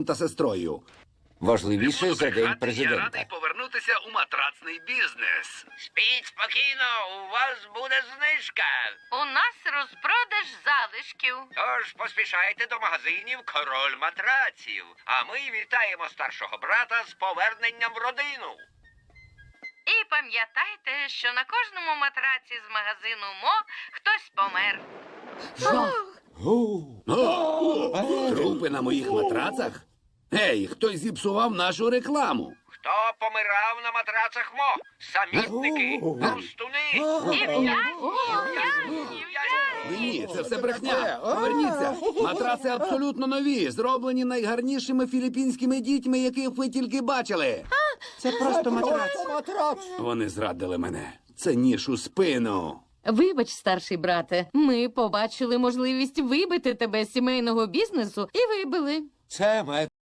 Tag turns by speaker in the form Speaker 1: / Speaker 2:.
Speaker 1: та сестрою.
Speaker 2: Важливіше за день
Speaker 3: Я
Speaker 2: президента.
Speaker 3: радий повернутися у матрацний бізнес.
Speaker 4: Спіть спокійно, у вас буде знижка.
Speaker 5: У нас розпродаж залишків.
Speaker 4: Тож поспішайте до магазинів «Король матраців». А ми вітаємо старшого брата з поверненням в родину.
Speaker 5: І пам'ятайте, що на кожному матраці з магазину МО хтось помер.
Speaker 1: Трупи на моїх матрацах? Гей, хтось зіпсував нашу рекламу.
Speaker 4: Хто помирав на матрацах МО? Самітники, простуни.
Speaker 5: І в'язні.
Speaker 1: Ні, це все брехня. Поверніться. Матраци абсолютно нові, зроблені найгарнішими філіппінськими дітьми, яких ви тільки бачили.
Speaker 6: Це просто матрац.
Speaker 1: Вони зрадили мене. Це ніж у спину.
Speaker 7: Вибач, старший брате, ми побачили можливість вибити тебе з сімейного бізнесу і вибили.
Speaker 2: Це